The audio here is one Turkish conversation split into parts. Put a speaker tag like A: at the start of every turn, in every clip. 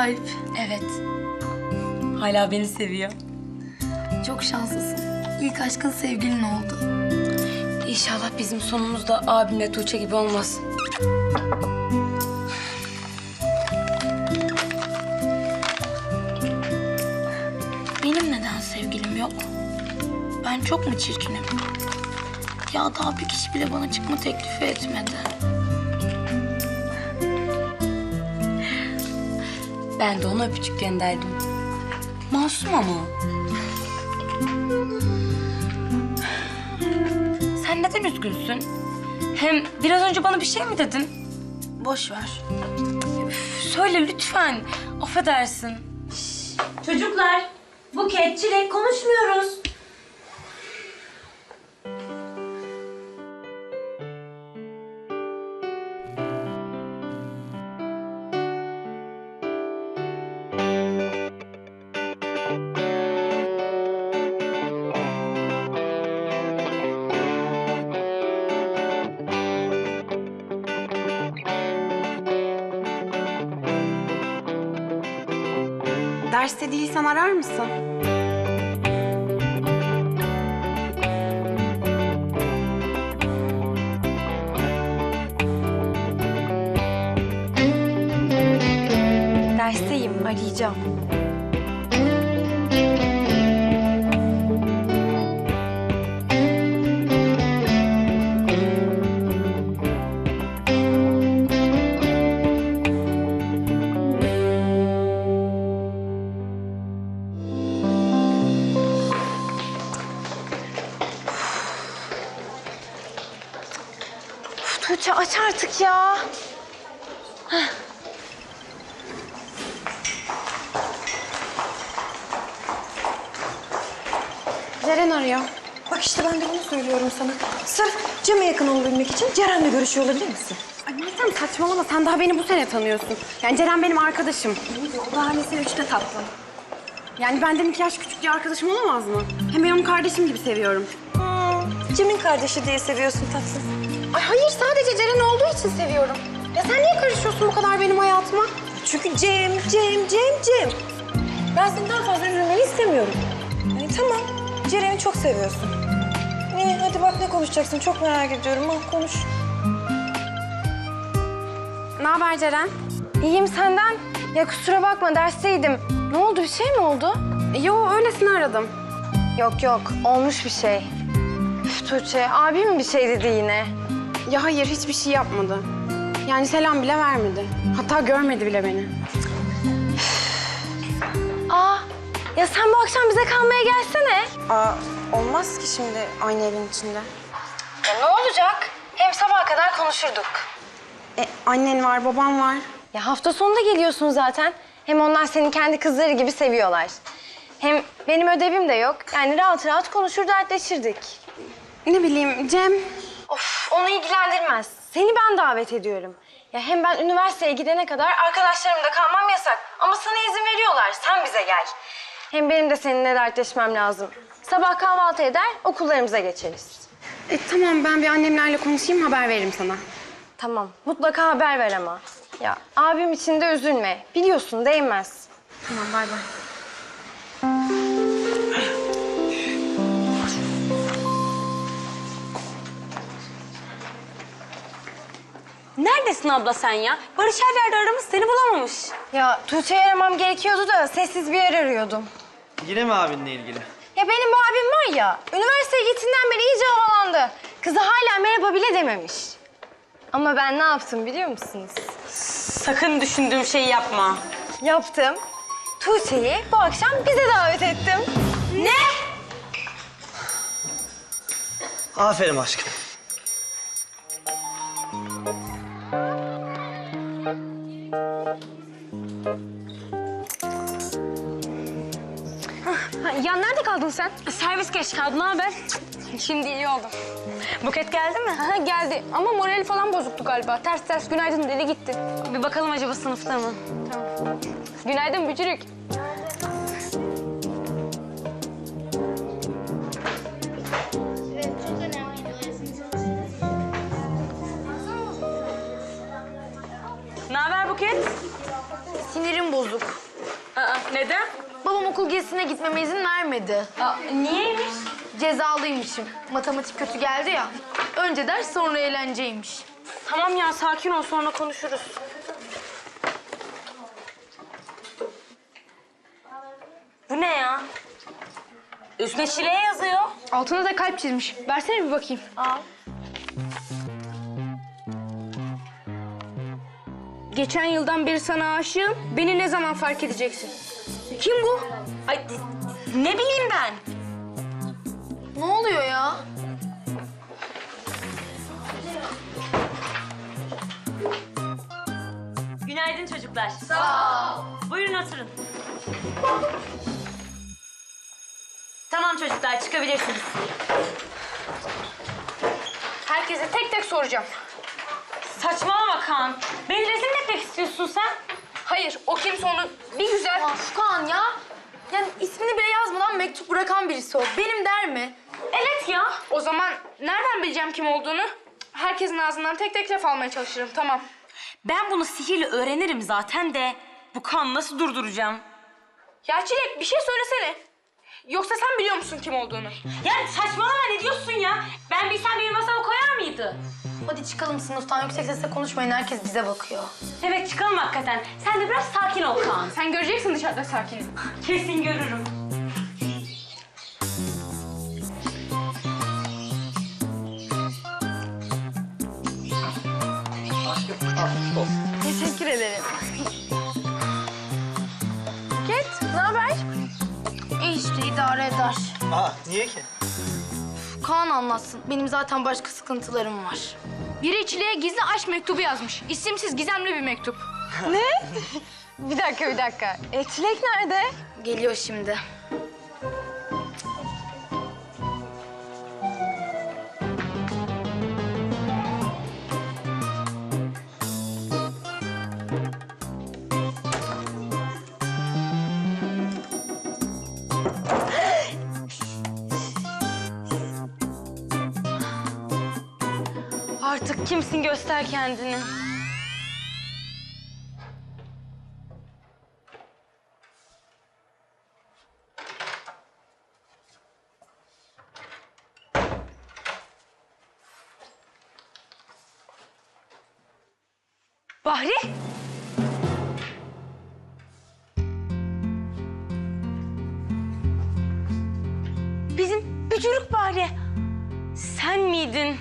A: Alp.
B: Evet. Hala beni seviyor.
A: Çok şanslısın. İlk aşkın sevgilin oldu.
B: İnşallah bizim sonumuz da abimle Tuğçe gibi olmaz.
A: Benim neden sevgilim yok? Ben çok mu çirkinim? Ya daha bir kişi bile bana çıkma teklifi etmedi.
B: Ben de ona öpücük gönderdim. Masum ama o. Sen neden üzgünsün? Hem biraz önce bana bir şey mi dedin?
A: Boş ver.
B: Söyle lütfen. Affedersin.
C: Çocuklar, Buket, Çilek konuşmuyoruz.
D: Derste değilsen arar mısın?
E: Dersteyim, arayacağım. Tuğçe aç artık ya.
D: Ceren arıyor. Bak işte ben de bunu söylüyorum sana. Sırf Cem'e yakın olabilmek için Ceren'le görüşüyor olabilir misin?
E: Ay Meltem saçmalama, sen daha beni bu sene tanıyorsun. Yani Ceren benim arkadaşım.
D: O daha lise 3'te tatlım.
E: Yani benden 2 yaş küçük bir arkadaşım olamaz mı? Hem ben onu kardeşim gibi seviyorum.
D: Cem'in kardeşi diye seviyorsun tatlım.
E: Ay hayır, sadece Ceren olduğu için seviyorum. Ya sen niye karışıyorsun bu kadar benim hayatıma?
D: Çünkü Cem. Ben seni daha fazla üzülmeni istemiyorum. Yani tamam, Ceren'i çok seviyorsun. İyi, hadi bak ne konuşacaksın, çok merak ediyorum. Al konuş.
E: Ne haber Ceren?
F: İyiyim senden. Ya kusura bakma dersteydim. Ne oldu, bir şey mi oldu?
E: Yo, öylesine aradım.
F: Yok olmuş bir şey. Üf Tuğçe, abim bir şey dedi yine.
E: Ya hayır, hiçbir şey yapmadı. Yani selam bile vermedi. Hatta görmedi bile beni.
F: Aa, ya sen bu akşam bize kalmaya gelsene.
D: Olmaz ki şimdi aynı evin içinde.
F: Ya ne olacak? Hem sabaha kadar konuşurduk.
E: Annen var, babam var.
F: Ya hafta sonunda geliyorsun zaten. Hem onlar seni kendi kızları gibi seviyorlar. Hem benim ödevim de yok. Yani rahat rahat konuşur, dertleşirdik.
E: Ne bileyim, Cem.
F: Of, onu ilgilendirmez. Seni ben davet ediyorum. Ya hem ben üniversiteye gidene kadar arkadaşlarımda kalmam yasak. Ama sana izin veriyorlar. Sen bize gel. Hem benim de seninle dertleşmem lazım. Sabah kahvaltı eder, okullarımıza geçeriz.
E: Tamam, ben bir annemlerle konuşayım, haber veririm sana.
F: Tamam, mutlaka haber ver ama. Ya abim için de üzülme. Biliyorsun, değmez.
E: Tamam, bay bay.
C: Neredesin abla sen ya? Barış her yerde aramış, seni bulamamış.
F: Ya Tuğçe'yi aramam gerekiyordu da sessiz bir yer arıyordum.
G: Yine mi abinle ilgili?
F: Ya benim bu abim var ya, üniversiteye gittiğinden beri iyice havalandı. Kızı hala merhaba bile dememiş. Ama ben ne yaptım biliyor musunuz?
C: Sakın düşündüğüm şeyi yapma.
F: Yaptım. Tuğçe'yi bu akşam bize davet ettim.
C: Ne?
G: Aferin aşkım.
F: Ya nerede kaldın sen?
C: Servis geç kaldı, ne haber?
F: Şimdi iyi oldu.
C: Buket geldi mi?
F: Aha, geldi ama morali falan bozuktu galiba. Ters günaydın dedi gitti.
C: Bir bakalım acaba sınıfta mı?
F: Günaydın Bücürük.
C: Ne haber Buket?
F: Sinirim bozuk.
C: Neden?
F: Babam okul gezisine gitmeme izin vermedi.
C: Niyeymiş?
F: Cezalıymışım. Matematik kötü geldi ya. Önce ders sonra eğlenceymiş.
C: Tamam ya sakin ol sonra konuşuruz. Bu ne ya? Üstüne Şile'ye yazıyor.
E: Altına da kalp çizmiş. Versene bir bakayım.
C: Al.
E: Geçen yıldan beri sana aşığım. Beni ne zaman fark edeceksin? Kim bu?
C: Ay ne bileyim ben.
F: Ne oluyor ya?
C: Günaydın çocuklar. Sağ ol. Buyurun oturun. Tamam çocuklar çıkabilirsiniz.
E: Herkese tek tek soracağım.
C: Saçmalama Kaan. Beni rezil mi etmek istiyorsun sen?
E: Hayır, o kimse onu bir güzel...
F: Kaan ya. Yani ismini bile yazmadan mektup bırakan birisi o. Benim der mi?
C: Evet ya.
E: O zaman nereden bileceğim kim olduğunu? Herkesin ağzından tek tek laf almaya çalışırım, tamam.
C: Ben bunu sihirle öğrenirim zaten de bu Kaan'ı nasıl durduracağım?
E: Ya Çilek, bir şey söylesene. Yoksa sen biliyor musun kim olduğunu?
C: Ya saçmalama ne diyorsun ya? Ben bilsem benim masama koyar mıydı?
F: Hadi çıkalım sınıftan. Yüksek sesle konuşmayın. Herkes bize bakıyor.
C: Evet çıkalım hakikaten. Sen de biraz sakin ol Kaan.
E: Sen göreceksin dışarıda sakin.
C: Kesin görürüm.
F: Teşekkür ederim. Buket, ne haber? İyi işte, idare eder.
G: Aa, niye ki?
F: Kaan anlatsın. Benim zaten başka sıkıntılarım var.
E: Biri Çilek'e gizli aşk mektubu yazmış. İsimsiz, gizemli bir mektup.
F: Bir dakika. Çilek nerede? Geliyor şimdi.
C: Artık kimsin göster kendini. Bahri? Bizim bücürük Bahri. Sen miydin?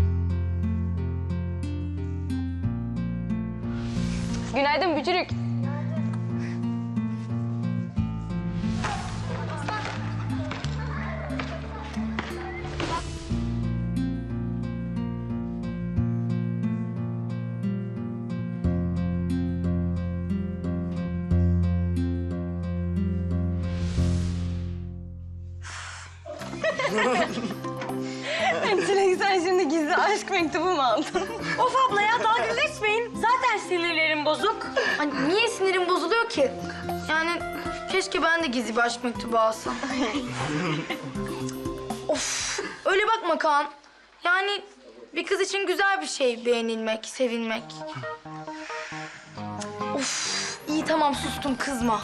E: Günaydın Bücürük.
F: Çilek, sen şimdi gizli aşk mektubu mu aldın?
C: Of abla ya dalga geçmeyin. Zaten sinirlerim bozuk.
F: Hani niye sinirim bozuluyor ki? Yani keşke ben de gizli bir aşk mektubu alsam. Of, öyle bakma Kaan. Yani bir kız için güzel bir şey beğenilmek, sevilmek. Of, iyi tamam sustum, kızma.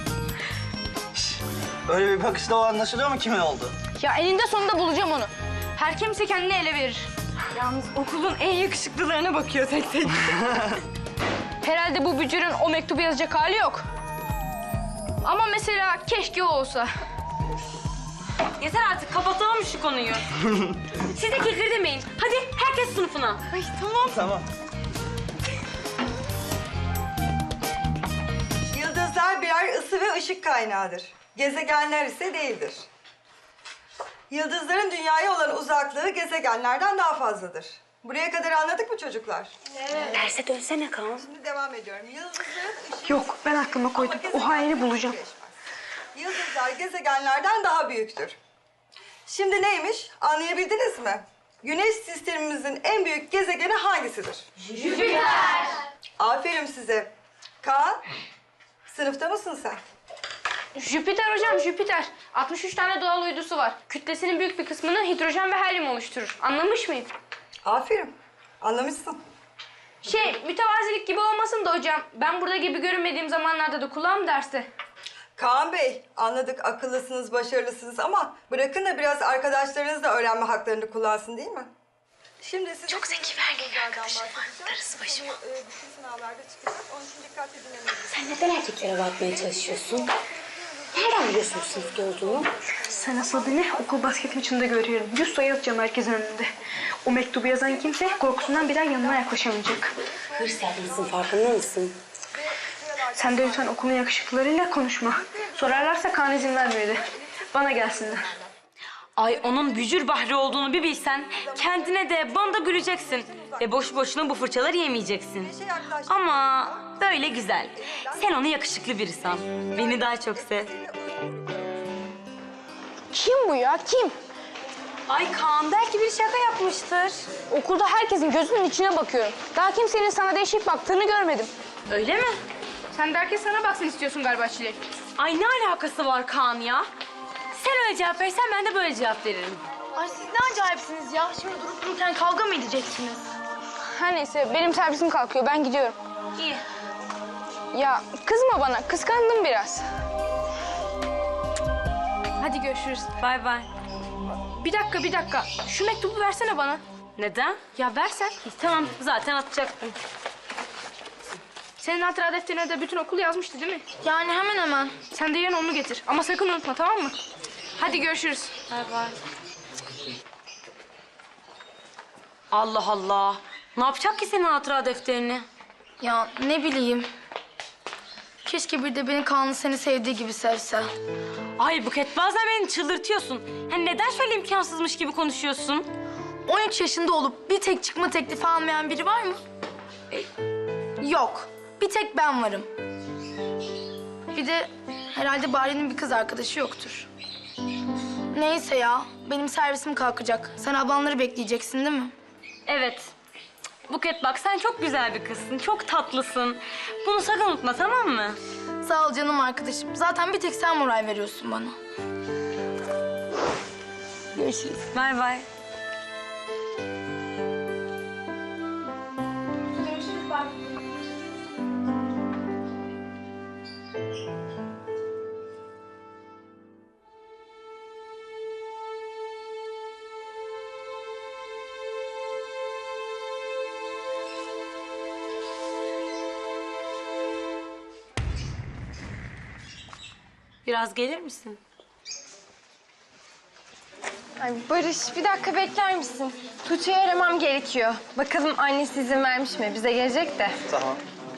G: Öyle bir bakışla o anlaşılıyor mu kimin oldu?
E: Ya eninde sonunda bulacağım onu. Her kimse kendini ele verir.
F: Yalnız okulun en yakışıklılarına bakıyor tek tek.
E: Herhalde bu bücürün o mektubu yazacak hali yok. Ama mesela keşke o olsa.
C: Yeter artık kapatalım şu konuyu. Siz de kekir demeyin. Hadi herkes sınıfına.
G: Tamam.
H: Yıldızlar birer ısı ve ışık kaynağıdır. Gezegenler ise değildir. Yıldızların dünyaya olan uzaklığı gezegenlerden daha fazladır. Buraya kadar anladık mı çocuklar?
C: Derse dönsene Kaan.
H: Şimdi devam ediyorum. Yıldızların ışık...
E: Yok, ben aklıma koydum. O haini bulacağım.
H: Yıldızlar gezegenlerden daha büyüktür. Şimdi neymiş? Anlayabildiniz mi? Güneş sistemimizin en büyük gezegeni hangisidir? Jüpiter. Aferin size. Kaan, sınıfta mısın sen?
E: Jüpiter hocam, Jüpiter. 63 tane doğal uydusu var. Kütlesinin büyük bir kısmını hidrojen ve helyum oluşturur. Anlamış mıyım?
H: Aferin. Anlamışsın.
E: Mütevazilik gibi olmasın da hocam. Ben burada gibi görünmediğim zamanlarda da kulağım derste.
H: Kaan Bey, anladık akıllısınız, başarılısınız ama bırakın da biraz arkadaşlarınız da öğrenme haklarını kullansın değil mi? Şimdi size çok zeki bir erkek arkadaşım var. Darısı başıma. Bütün sınavlarda çıkacak. Onun için dikkatli dinlemeliyiz.
B: Sen neden erkeklere bakmaya çalışıyorsun? Nereden biliyorsun sınıfta olduğunu?
E: Sen asıl beni okul basket maçında görüyorum. 100 sayı atacağım herkesin önünde. O mektubu yazan kimse korkusundan bir daha yanına yaklaşamayacak.
B: Hırs yapmışsın, farkında mısın?
E: Sen de lütfen okulun yakışıklılarıyla konuşma. Sorarlarsa Kaan izin vermedi. Bana gelsinler.
C: Ay onun bücür Bahri olduğunu bir bilsen kendine de bana da güleceksin. Ve boş boşuna bu fırçaları yemeyeceksin. Ama böyle güzel. Sen onu yakışıklı biri san. Beni daha çok sev.
E: Kim bu ya? Kim?
C: Ay Kaan belki bir şaka yapmıştır.
E: Okulda herkesin gözünün içine bakıyorum. Daha kimsenin sana değişik baktığını görmedim.
C: Öyle mi?
E: Sen de herkes sana baksın istiyorsun galiba Çilek.
C: Ay ne alakası var Kaan ya? Sen öyle cevap verirsen ben de böyle cevap veririm.
E: Ay siz ne acayipsiniz ya. Şimdi durup dururken kavga mı edeceksiniz? Her neyse benim servisim kalkıyor. Ben gidiyorum.
C: İyi.
E: Ya kızma bana. Kıskandım biraz. Hadi görüşürüz.
C: Bay bay.
E: Bir dakika. Şu mektubu versene bana.
C: Neden?
E: Ya versen.
C: Tamam zaten atacaktım.
E: Senin hatıra defterine de bütün okul yazmıştı değil mi? Yani hemen hemen. Sen de yarın onu getir. Ama sakın unutma, tamam mı? Hadi görüşürüz.
C: Bay bay. Allah Allah. Ne yapacak ki senin hatıra defterini?
A: Ya ne bileyim. Keşke bir de beni Kaan'ın seni sevdiği gibi sevse.
C: Ay Buket bazen beni çıldırtıyorsun. Hani neden şöyle imkansızmış gibi konuşuyorsun?
A: 13 yaşında olup bir tek çıkma teklifi almayan biri var mı? Yok. Bir tek ben varım. Bir de herhalde Bari'nin bir kız arkadaşı yoktur. Neyse ya. Benim servisim kalkacak. Sen ablanları bekleyeceksin değil mi?
C: Evet. Buket bak sen çok güzel bir kızsın. Çok tatlısın. Bunu sakın unutma tamam mı?
A: Sağ ol canım arkadaşım. Zaten bir tek sen moral veriyorsun bana. Görüşürüz.
C: Bay bay. Biraz gelir misin?
F: Ay Barış bir dakika bekler misin? Tuğçe'yi aramam gerekiyor. Bakalım annesi izin vermiş mi? Bize gelecek de.
G: Tamam.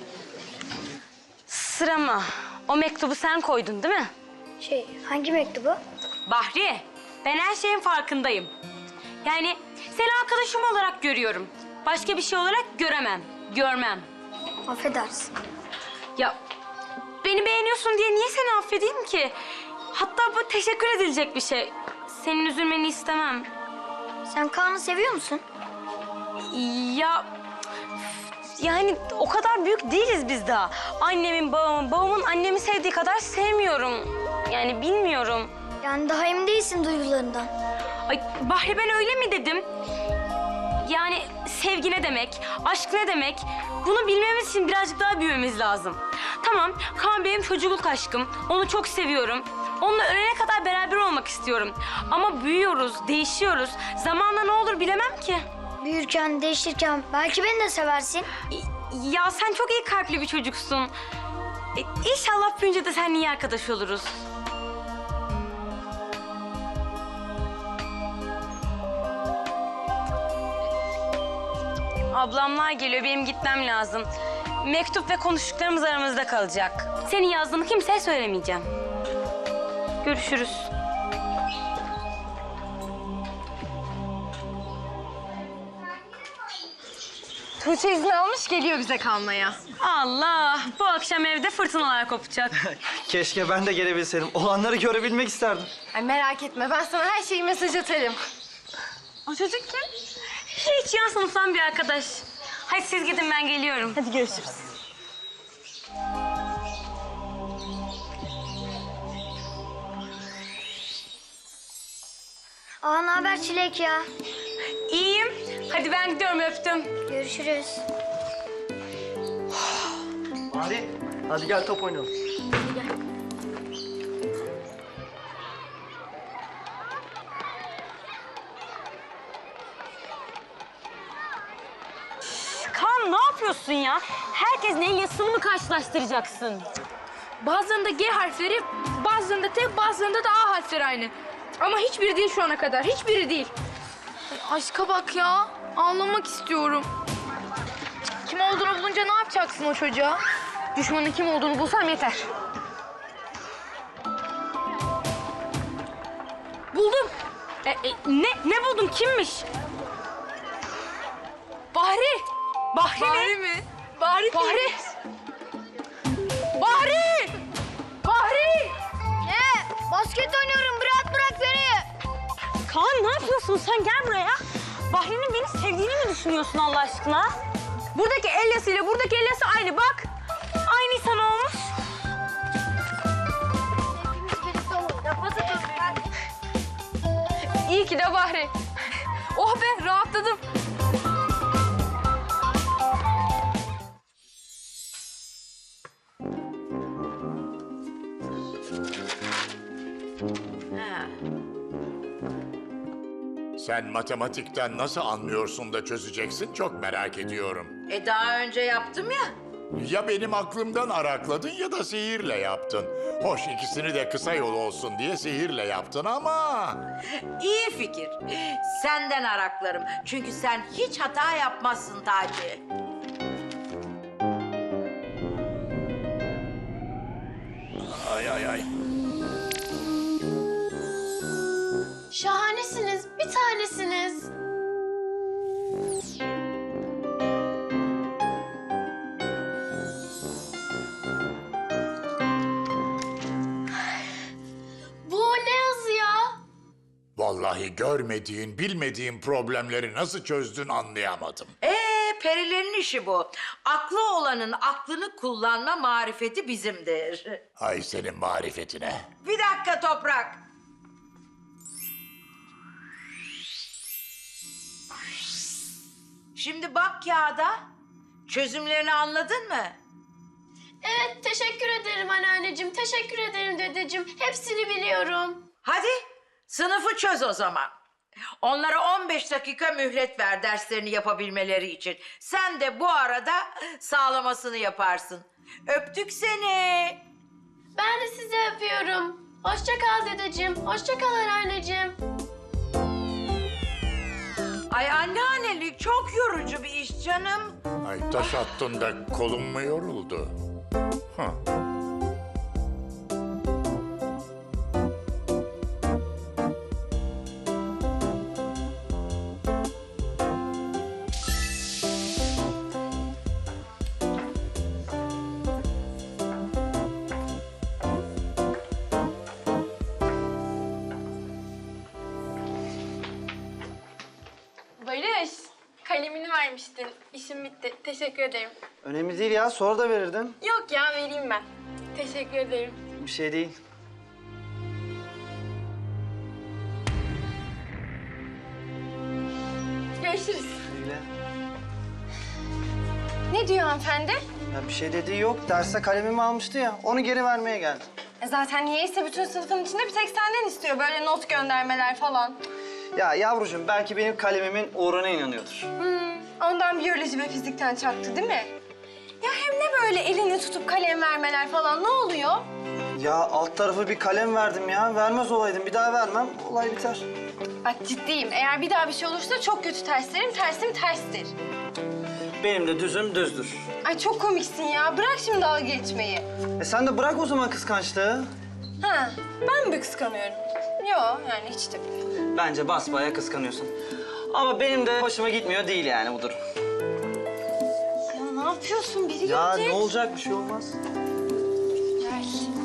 C: Sırama. O mektubu sen koydun değil mi?
A: Hangi mektubu?
C: Bahri, ben her şeyin farkındayım. Yani seni arkadaşım olarak görüyorum. Başka bir şey olarak görmem.
A: Affedersin.
C: Ya beni beğeniyorsun diye niye seni affedeyim ki? Hatta bu teşekkür edilecek bir şey. Senin üzülmeni istemem.
A: Sen Kaan'ı seviyor musun?
C: Ya yani o kadar büyük değiliz biz daha. Annemin, babamın annemi sevdiği kadar sevmiyorum. Yani bilmiyorum.
A: Yani daha emin değilsin duygularından.
C: Ay Bahri ben öyle mi dedim? Yani sevgi ne demek, aşk ne demek? Bunu bilmemiz için birazcık daha büyümemiz lazım. Tamam, Kaan benim çocukluk aşkım. Onu çok seviyorum. Onunla ölene kadar beraber olmak istiyorum. Ama büyüyoruz, değişiyoruz. Zamanla ne olur bilemem ki.
A: Büyürken, değişirken belki beni de seversin.
C: Ya sen çok iyi kalpli bir çocuksun. İnşallah büyünce de seninle iyi arkadaş oluruz. Ablamlar geliyor, benim gitmem lazım. Mektup ve konuştuklarımız aramızda kalacak. Senin yazdığını kimseye söylemeyeceğim. Görüşürüz.
F: Tuğçe izin almış geliyor bize kalmaya.
C: Allah, bu akşam evde fırtınalar kopacak.
G: Keşke ben de gelebilseydim. Olanları görebilmek isterdim.
F: Ay merak etme ben sana her şeyi mesaj atarım.
C: O çocuk kim? Hiç yan sınıftan bir arkadaş. Hadi siz gidin ben geliyorum.
F: Hadi görüşürüz.
A: Ne haber Çilek ya?
C: İyiyim. Hadi ben gidiyorum öptüm.
A: Görüşürüz.
G: Hadi gel top oynayalım.
C: yapıyorsun ya? Herkes neyin yazısını mı karşılaştıracaksın?
E: Bazılarında G harfleri, bazılarında T, bazılarında da A harfleri aynı. Ama hiçbiri değil şu ana kadar. Hiçbiri değil.
A: Aşka bak ya. Ağlamak istiyorum. Kim olduğunu bulunca ne yapacaksın o çocuğa?
E: Düşmanın kim olduğunu bulsam yeter. Buldum.
C: Ne buldun? Kimmiş?
E: Bahri. Bahri mi? Bahri. Bahri. Bahri. Bahri.
A: Ne? Basket oynuyorum. Bırak beni.
C: Kaan ne yapıyorsun sen? Gel buraya. Bahri'nin beni sevdiğini mi düşünüyorsun Allah aşkına?
E: Buradaki el yazısıyla buradaki el yazısı aynı bak.
C: Aynı insan olmuş.
E: İyi ki de Bahri. Oh be rahatladım.
I: Sen matematikten nasıl anlıyorsun da çözeceksin çok merak ediyorum.
J: Daha önce yaptım ya.
I: Ya benim aklımdan arakladın ya da sihirle yaptın. Hoş ikisini de kısa yol olsun diye sihirle yaptın ama...
J: İyi fikir. Senden araklarım. Çünkü sen hiç hata yapmazsın Taci.
I: Ay ay ay.
A: Şahanesiniz. Bir tanesiniz. Bu ne yazı ya?
I: Vallahi görmediğin, bilmediğin problemleri nasıl çözdün anlayamadım.
J: Perilerin işi bu. Aklı olanın aklını kullanma marifeti bizimdir.
I: Ay senin marifetine.
J: Bir dakika Toprak. Şimdi bak kağıda. Çözümlerini anladın mı?
A: Evet, teşekkür ederim anneanneciğim. Teşekkür ederim dedeciğim. Hepsini biliyorum.
J: Hadi sınıfı çöz o zaman. Onlara 15 dakika mühlet ver derslerini yapabilmeleri için. Sen de bu arada sağlamasını yaparsın. Öptük seni.
A: Ben de sizi öpüyorum. Hoşça kal dedeciğim. Hoşça kal anneanneciğim.
J: Ay anneannelik çok yorucu bir iş canım.
I: Ay taş attın da kolun mu yoruldu? Hah.
E: Barış, kalemini vermiştin. İşim bitti. Teşekkür ederim.
G: Önemli değil ya. Sonra da verirdin.
E: Yok ya, vereyim ben. Teşekkür ederim.
G: Bir şey değil.
E: Görüşürüz.
G: Öyle.
F: Ne diyor hanımefendi?
G: Ya bir şey dediği yok. Derste kalemimi almıştı ya. Onu geri vermeye geldim.
F: Zaten niyeyse bütün sınıfın içinde bir tek senden istiyor. Böyle not göndermeler falan.
G: Ya yavrucuğum belki benim kalemimin uğruna inanıyordur.
F: Ondan biyoloji ve fizikten çaktı değil mi? Ya hem ne böyle elini tutup kalem vermeler falan ne oluyor?
G: Ya alt tarafı bir kalem verdim ya. Vermez olaydım. Bir daha vermem. Olay biter.
F: Bak ciddiyim. Eğer bir daha bir şey olursa çok kötü terslerim. Tersim terstir.
G: Benim de düzüm düzdür.
F: Ay çok komiksin ya. Bırak şimdi dalga geçmeyi.
G: Sen de bırak o zaman kıskançlığı.
F: Ha, ben mi kıskanıyorum? Yo yani hiç de.
G: Bence basbayağı kıskanıyorsun. Ama benim de hoşuma gitmiyor değil yani bu durum.
F: Ya ne yapıyorsun? Biri
G: Ya
F: gelecek.
G: ne olacak? Bir şey olmaz.
F: Ver.